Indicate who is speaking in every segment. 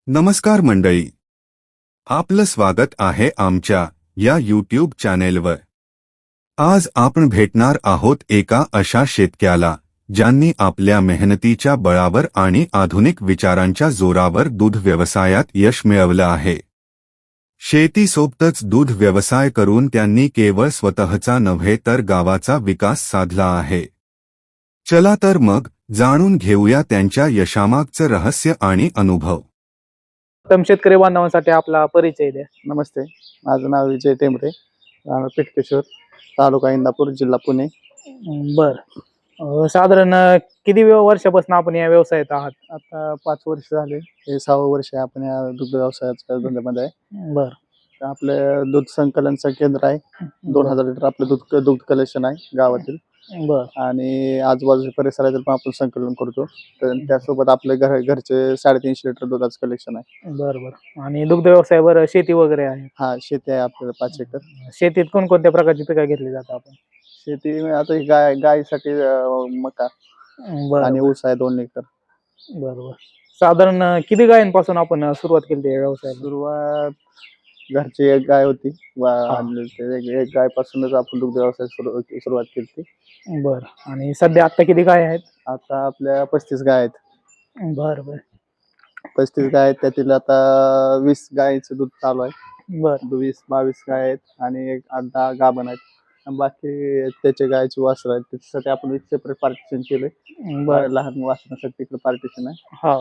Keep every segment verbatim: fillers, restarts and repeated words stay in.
Speaker 1: नमस्कार मंडळी, आपलं स्वागत आहे आमच्या या यूट्यूब चॅनेलवर। आज आपण भेटणार आहोत एका अशा शेतकऱ्याला ज्यांनी आपल्या मेहनतीच्या बळावर आणि आधुनिक विचारांच्या जोरावर दूध व्यवसायात यश मिळवलं आहे। शेतीसोबतच दूध व्यवसाय करून त्यांनी केवळ स्वतःचा नव्हे तर गावाचा विकास साधला आहे। चला तर मग जाणून घेऊया त्यांच्या यशामागचं रहस्य आणि अनुभव।
Speaker 2: उत्तम शेतकरी बांधवांसाठी आपला परिचय द्या।
Speaker 3: नमस्ते, माझं नाव विजय टेंबरे, राहणार पिटकेश्वर, तालुका इंदापूर, जिल्हा पुणे।
Speaker 2: बर अं, साधारण अं, किती वेळ वर्षापासून आपण या व्यवसायात आहात?
Speaker 3: आता पाच वर्ष झाले, हे सहावं वर्ष आहे आपण या दुग्ध व्यवसायाच्या धंद्यामध्ये आहे।
Speaker 2: बर
Speaker 3: तर आपलं दूध संकलनचं केंद्र आहे, दोन हजार लिटर आपलं दूध दूध कलेक्शन आहे गावातील,
Speaker 2: बर
Speaker 3: आणि आजूबाजूच्या परिसरातील पण आपण संकलन करतो। तर त्यासोबत आपले घर घरचे साडेतीनशे लिटर दुधाचं कलेक्शन आहे।
Speaker 2: बर बर आणि दुग्ध व्यवसायावर शेती वगैरे आहे?
Speaker 3: हा, शेती आहे आपल्याला पाच एकर।
Speaker 2: शेतीत कोणकोणत्या प्रकारची पिकं घेतली जातात आपण?
Speaker 3: शेती आता ही गाय गायीसाठी अं, मका
Speaker 2: बर
Speaker 3: आणि ऊस आहे दोन एकर।
Speaker 2: बर बर साधारण अं, किती गायींपासून आपण अं, सुरुवात केली या व्यवसायाला?
Speaker 3: सुरुवात घरची एक गाय होती, वा-
Speaker 2: हा.
Speaker 3: आणलेली ते एक एक गाय पासूनच आपण दुग्ध व्यवसाय सुरु सुरुवात केली।
Speaker 2: बर आणि सध्या आता किती गाय आहेत?
Speaker 3: आता आपल्या पस्तीस गाय आहेत।
Speaker 2: बर बर
Speaker 3: पस्तीस गाय आहेत, त्यातील आता वीस गायीचं दूध चालू आहे।
Speaker 2: बर
Speaker 3: वीस बावीस गाय आहेत आणि एक आठ दहा गाभण आहेत, आणि बाकी त्याचे गायची वासरं आहेत। त्याच्यासाठी आपण एक सेपरेट पार्टिशन केलंय।
Speaker 2: बर
Speaker 3: लहान वासरासाठी तिकडे पार्टिशन आहे।
Speaker 2: हा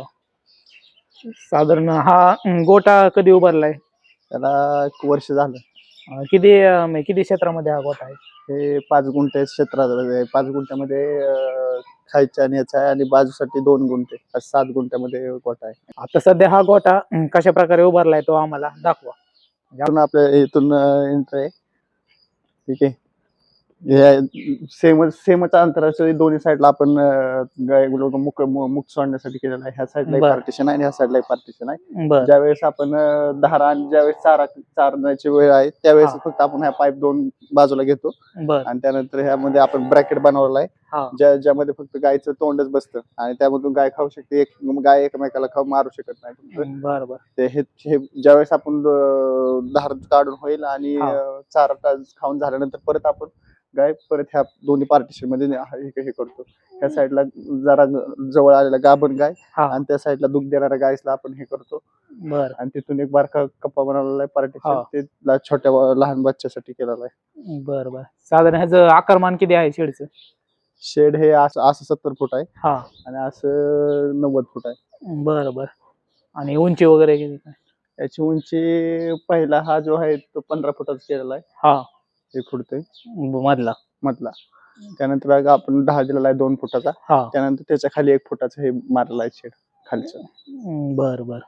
Speaker 2: साधारण हा अं, गोटा कधी उभारलाय?
Speaker 3: त्याला एक वर्ष झालं।
Speaker 2: अं, किती अं, म्हणजे किती क्षेत्रामध्ये हा गोटा आहे?
Speaker 3: हे पाच गुंठे क्षेत्रात आहे। पाच गुंठ्यामध्ये अं, खायच्या आणि याचा आहे, आणि बाजूसाठी दोन गुंठे, असं सात गुंठ्यामध्ये गोठा आहे।
Speaker 2: आता सध्या हा गोटा अं, कशा प्रकारे उभारलाय तो आम्हाला दाखवा।
Speaker 3: इथून आपल्या इथून एंटर आहे, ठीक आहे। सेमच सेमच अंतराच्या दोन्ही साईडला आपण अं, गाय लोक मुक मु- मुख सोडण्यासाठी केलेलं आहे। ह्या साईडला एक
Speaker 2: बरं.
Speaker 3: पार्टिशन आहे आणि ह्या साईडला एक पार्टिशन आहे।
Speaker 2: बर
Speaker 3: ज्यावेळेस आपण अं, धारा आणि ज्यावेळेस चारा चारण्याची वेळ आहे त्यावेळेस
Speaker 2: हा.
Speaker 3: फक्त आपण ह्या पाईप दोन बाजूला घेतो,
Speaker 2: बर
Speaker 3: आणि त्यानंतर ह्यामध्ये आपण ब्रॅकेट बनवलेला आहे,
Speaker 2: हा
Speaker 3: ज्या ज्यामध्ये फक्त गायचं तोंडच बसतं, आणि त्यामधून गाय खाऊ शकते। एक गाय एकमेकाला खाऊ मारू शकत नाही फक्त
Speaker 2: बर बर
Speaker 3: ते हे हे ज्यावेळेस आपण अं, धार काढून होईल आणि
Speaker 2: हा.
Speaker 3: अं, चारा टा- खाऊन झाल्यानंतर परत आपण गाय परत ह्या दोन्ही पार्टिशन मध्ये ने- हे हे करतो। ह्या साईडला जरा जवळ आलेला गाभण गाय,
Speaker 2: हा
Speaker 3: आणि त्या साईडला दूध देणाऱ्या गायसला आपण हे करतो,
Speaker 2: बर
Speaker 3: आणि तिथून एक बारका कप्पा बनवलेला आहे पार्टिशन,
Speaker 2: हा.
Speaker 3: ते ला- छोट्या व- लहान बच्च्यासाठी केलेला आहे।
Speaker 2: बर बर साधारण ह्याचं आकारमान किती आहे शेडचं?
Speaker 3: शेड हे असं असं सत्तर फूट आहे,
Speaker 2: हा
Speaker 3: आणि असं नव्वद फूट आहे।
Speaker 2: बर बर आणि उंची वगैरे किती काय?
Speaker 3: याची उंची पहिला हा जो आहे तो पंधरा फुटाचा केलेला आहे,
Speaker 2: हा
Speaker 3: एक फूट ते
Speaker 2: ब- मधला
Speaker 3: मधला। त्यानंतर अगं आपण दहा दिलेला आहे दोन फुटाचा,
Speaker 2: हा
Speaker 3: त्यानंतर त्याच्या खाली एक फुटाचं हे मारलेलं आहे शेड खालचं,
Speaker 2: बर बर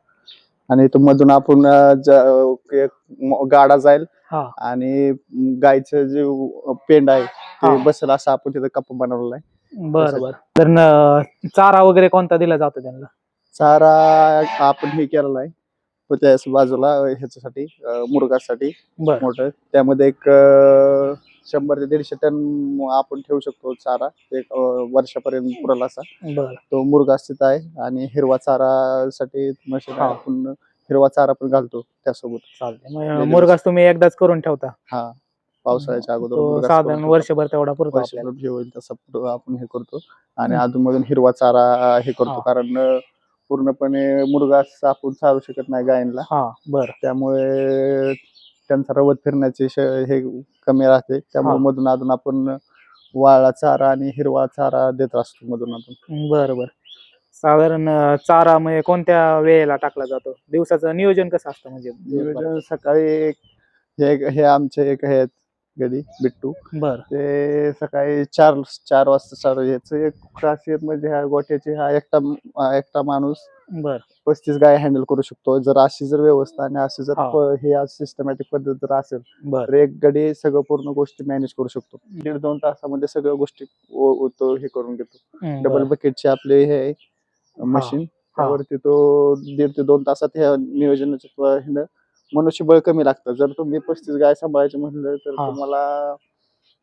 Speaker 3: आणि इथून मधून आपण अं, ज- एक म- गाडा जाईल,
Speaker 2: हा
Speaker 3: आणि गायचं जे पेंड आहे
Speaker 2: हा.
Speaker 3: ते बसेल असं आपण तिथं कप्पा बनवलेला आहे।
Speaker 2: बर बर तर न- चारा वगैरे कोणता दिला जातो त्यांना?
Speaker 3: चारा आपण हे केलेला आहे, तो त्या बाजूला ह्याच्यासाठी अं, मुरगासाठी
Speaker 2: बर
Speaker 3: मोठं, त्यामध्ये एक अं, शंभर ते दीडशे टन आपण ठेवू शकतो चारा, एक अं, वर्षापर्यंत पुरेल असा
Speaker 2: बर
Speaker 3: तो मुरगा स्थित आहे। आणि हिरवा चारासाठी मशीन
Speaker 2: हा.
Speaker 3: आपण हिरवा चारा पण घालतो त्यासोबत।
Speaker 2: चालतंय मग मुरगास तुम्ही एकदाच करून ठेवता?
Speaker 3: हा, पावसाळ्याच्या अगोदर
Speaker 2: तो
Speaker 3: मुरघास
Speaker 2: साधारण
Speaker 3: करून
Speaker 2: वर्षभर तेवढा पुरतो
Speaker 3: ठेवतो,
Speaker 2: आपल्याला?
Speaker 3: वर्षभर जे होईल तसं पुढं आपण हे करतो, आणि
Speaker 2: हम्म.
Speaker 3: अधूनमधून हिरवा चारा हे करतो,
Speaker 2: हा.
Speaker 3: कारण अं, पूर्णपणे मुरघास आपण चालू शकत नाही गायींना,
Speaker 2: हा बर
Speaker 3: त्यामुळे त्यांचा रवत फिरण्याचे श- हे कमी राहते, त्यामुळे
Speaker 2: हा.
Speaker 3: मधून अधून आपण वाळा चारा आणि हिरवा चारा देत असतो मधून अधून।
Speaker 2: बर बर साधारण अं, चारा म्हणजे कोणत्या वेळेला टाकला जातो? दिवसाचं नियोजन कसं असतं म्हणजे दिवसभराचं?
Speaker 3: नियोजन सकाळी एक- हे हे आमचे एक हे आहेत गडी बिट्टू,
Speaker 2: बर
Speaker 3: ते सकाळी चार चार वाजता चालू। याचं एक खासियत म्हणजे ह्या गोठ्याची, हा एकटा अं, एकटा माणूस
Speaker 2: बर
Speaker 3: पस्तीस गाय हँडल करू शकतो। जर अशी जर व्यवस्था आणि अशी जर
Speaker 2: हा.
Speaker 3: प- हे सिस्टमॅटिक पद्धत जर असेल
Speaker 2: बर
Speaker 3: तर एक गडी सगळं पूर्ण गोष्टी मॅनेज करू शकतो। दीड दोन तासामध्ये सगळ्या गोष्टी ओ- ओ- तो हे करून घेतो।
Speaker 2: हम्म,
Speaker 3: डबल
Speaker 2: बर
Speaker 3: बकेटचे आपले हे आहे मशीन, त्यावरती तो दीड ते दोन तासात ह्या नियोजनाच्या ह्यानं मनुष्यबळ कमी लागतं। जर तुम्ही पस्तीस गाय सांभाळायचे म्हणलं तर
Speaker 2: हा.
Speaker 3: तुम्हाला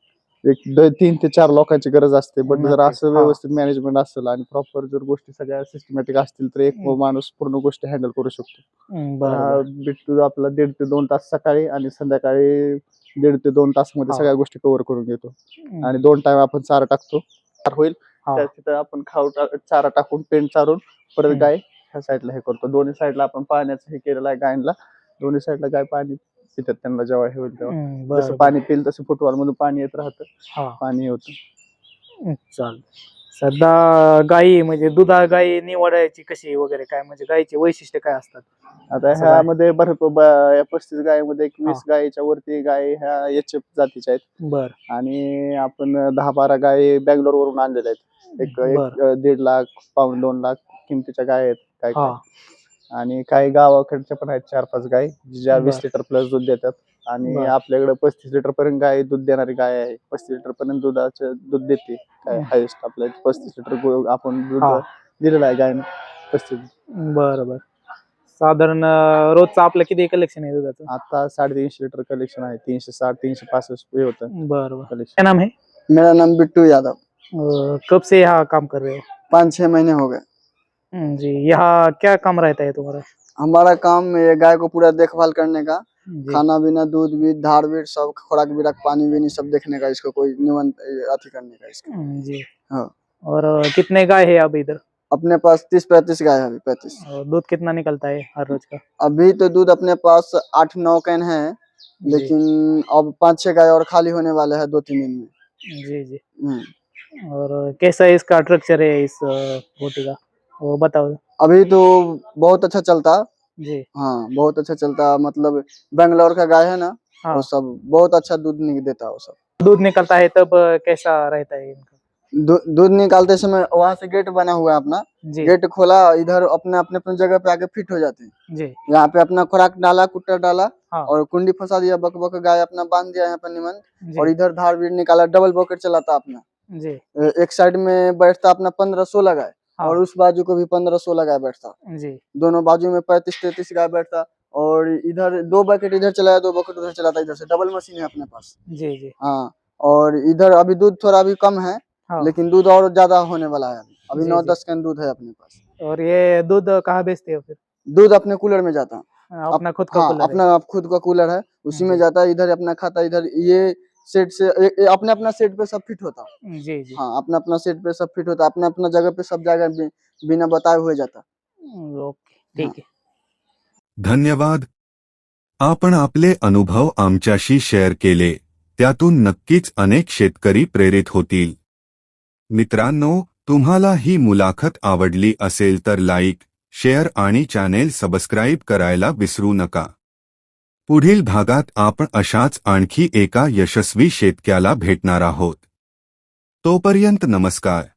Speaker 3: एक द- तीन ते चार लोकांची गरज असते. बट जर
Speaker 2: नक्कीच.
Speaker 3: असं
Speaker 2: हा.
Speaker 3: व्यवस्थित मॅनेजमेंट असेल आणि प्रॉपर जर गोष्टी सगळ्या सिस्टमॅटिक असतील तर एक
Speaker 2: हम्म.
Speaker 3: माणूस पूर्ण गोष्टी हँडल करू शकतो.
Speaker 2: हम्म,
Speaker 3: तर
Speaker 2: बरं
Speaker 3: हा
Speaker 2: बरं.
Speaker 3: बिट्टू आपला दीड ते दोन तास सकाळी आणि संध्याकाळी दीड ते दोन तासामध्ये
Speaker 2: हा.
Speaker 3: सगळ्या गोष्टी कव्हर करून घेतो.
Speaker 2: हम्म,
Speaker 3: आणि दोन टाइम आपण चारा टाकतो. चार होईल
Speaker 2: हा.
Speaker 3: त्या तिथं आपण खाऊ टा- चारा टाकून पेंट चारून परत
Speaker 2: हम्म.
Speaker 3: गाय ह्या साईडला हे करतो. दोन्ही साईडला आपण पाण्याचं हे केलेलं आहे गायला. दोन्ही साईडला गाय पाणी पितात त्यांना जेव्हा हे होईल तेव्हा.
Speaker 2: हम्म,
Speaker 3: जसं
Speaker 2: बरं बरं.
Speaker 3: पाणी पिल तसं फुटबॉल मधून पाणी येत राहतं.
Speaker 2: हा.
Speaker 3: पाणी होतं.
Speaker 2: हम्म, चालेल. सध्या गायी म्हणजे दुधा गायी निवडायची कशी वगैरे काय म्हणजे गायीचे वैशिष्ट्य काय असतात?
Speaker 3: आता
Speaker 2: असं काय?
Speaker 3: ह्यामध्ये भरपूर ब- या पस्तीस गायीमध्ये एक
Speaker 2: हा.
Speaker 3: वीस गायीच्या वरती गाय ह्या एच एफ जातीच्या आहेत.
Speaker 2: बर
Speaker 3: आणि आपण दहा बारा गायी बँगलोर वरून आणलेल्या आहेत. एक
Speaker 2: बर.
Speaker 3: एक अं, दीड लाख पाऊण दोन लाख किमतीच्या गाय आहेत काय
Speaker 2: हा.
Speaker 3: काय. आणि काही गावाकडच्या पण आहेत चार पाच गाय ज्या वीस
Speaker 2: बर.
Speaker 3: लिटर प्लस दूध देतात. आणि
Speaker 2: बर.
Speaker 3: आपल्याकडे पस्तीस लिटर पर्यंत गाय दूध देणारी गाय आहे. पस्तीस लिटर पर्यंत दुधाचं दूध देते काय
Speaker 2: हम्म.
Speaker 3: हायेस्ट आपल्या इथे पस्तीस लिटर गो- आपण दूध
Speaker 2: हा.
Speaker 3: दिलेलं आहे गायनं पस्तीस.
Speaker 2: बर बर. साधारण अं, रोजचं आपलं किती कलेक्शन आहे दुधाचं?
Speaker 3: आता साडेतीनशे लिटर कलेक्शन आहे. तीनशे साठ तीनशे पासष्ट हे होतं
Speaker 2: बर बर.
Speaker 3: कलेक्शन.
Speaker 2: क्या नाम है?
Speaker 4: मेरा नाम बिट्टू यादव।
Speaker 2: अ, कब से यहाँ काम कर रहे हो?
Speaker 4: पाँच छह महीने हो गए।
Speaker 2: हम्म, जी यहाँ क्या काम रहता है तुम्हारा?
Speaker 4: हमारा काम ये गाय को पूरा देखभाल करने का,
Speaker 2: जी
Speaker 4: खाना पीना दूध बीज धार बीट सब खुराक बिराक पानी बीनी सब देखने का, इसको कोई निमन अथी करने का इसका।
Speaker 2: हम्म, जी
Speaker 4: हाँ।
Speaker 2: और अ, कितने गाय है अब इधर?
Speaker 4: अपने पास तीस पैंतीस गाय है अभी पैंतीस।
Speaker 2: और दूध कितना निकलता है हर रोज का?
Speaker 4: अभी तो दूध अपने पास आठ नौ कैन है,
Speaker 2: जी
Speaker 4: लेकिन अब पाँच छह गाय और खाली होने वाले हैं दो तीन दिन में।
Speaker 2: जी जी।
Speaker 4: हम्म।
Speaker 2: और कैसा इसका स्ट्रक्चर है इस अ, बोटी का, वो बताओ।
Speaker 4: अभी तो बहुत अच्छा चलता।
Speaker 2: जी
Speaker 4: हाँ बहुत अच्छा चलता, मतलब बेंगलोर का गाय है ना,
Speaker 2: हाँ।
Speaker 4: वो सब बहुत अच्छा दूध नहीं देता वो सब।
Speaker 2: दूध निकलता है तब अ, कैसा रहता है इनका?
Speaker 4: दू- दूध निकालते समय वहां से गेट बना हुआ है अपना,
Speaker 2: जी
Speaker 4: गेट खोला इधर अपने अपने अपने जगह पे आके फिट हो जाते हैं।
Speaker 2: जी
Speaker 4: यहाँ पे अपना खुराक डाला कुट्टा डाला
Speaker 2: हाँ।
Speaker 4: और कुंडी फंसा दिया, बक बक गाय अपना बांध दिया यहाँ पे निमन,
Speaker 2: जी
Speaker 4: और इधर धार बीड़ निकाला, डबल बकेट चलाता अपना।
Speaker 2: जी
Speaker 4: ए- एक साइड में बैठता अपना पंद्रह सोलह गाय,
Speaker 2: हाँ।
Speaker 4: और उस बाजू को भी पंद्रह सोलह गाय बैठता,
Speaker 2: जी
Speaker 4: दोनों बाजू में पैंतीस तैतीस गाय बैठता। और इधर दो बकेट इधर चलाया दो बकेट उधर चलाता, इधर से डबल मशीन है अपने पास।
Speaker 2: जी जी
Speaker 4: हाँ। और इधर अभी दूध थोड़ा अभी कम है,
Speaker 2: हाँ।
Speaker 4: लेकिन दूध और ज्यादा होने वाला है अभी अभी
Speaker 2: जी,
Speaker 4: नौ
Speaker 2: जी।
Speaker 4: दस कैन दूध है अपने पास।
Speaker 2: और ये दूध कहाँ बेचते हो फिर?
Speaker 4: दूध अपने कूलर में जाता,
Speaker 2: अपना खुद का
Speaker 4: हाँ
Speaker 2: कूलर है?
Speaker 4: अपना आप खुद का कूलर है, उसी में
Speaker 2: जी।
Speaker 4: जाता है, इधर अपना खाता, इधर ये सेट से ए, ए, अपने अपना सेट पे सब फिट होता।
Speaker 2: जी जी
Speaker 4: हाँ अपना अपना सेट पे सब फिट होता, अपना अपना जगह पे सब जगह बि, बिना बताए हुए जाता।
Speaker 2: हम्म, ओके ठीक है।
Speaker 1: धन्यवाद. आपण आपले अनुभव आमच्याशी शेअर केले, त्यातून नक्कीच अनेक शेतकरी प्रेरित होतील. मित्रांनो, तुम्हाला ही मुलाखत आवडली असेल तर लाईक, शेअर आणि चॅनेल सबस्क्राईब करायला विसरू नका. पुढील भागात आपण अशाच आणखी एका यशस्वी शेतकऱ्याला भेटणार आहोत. तोपर्यंत नमस्कार.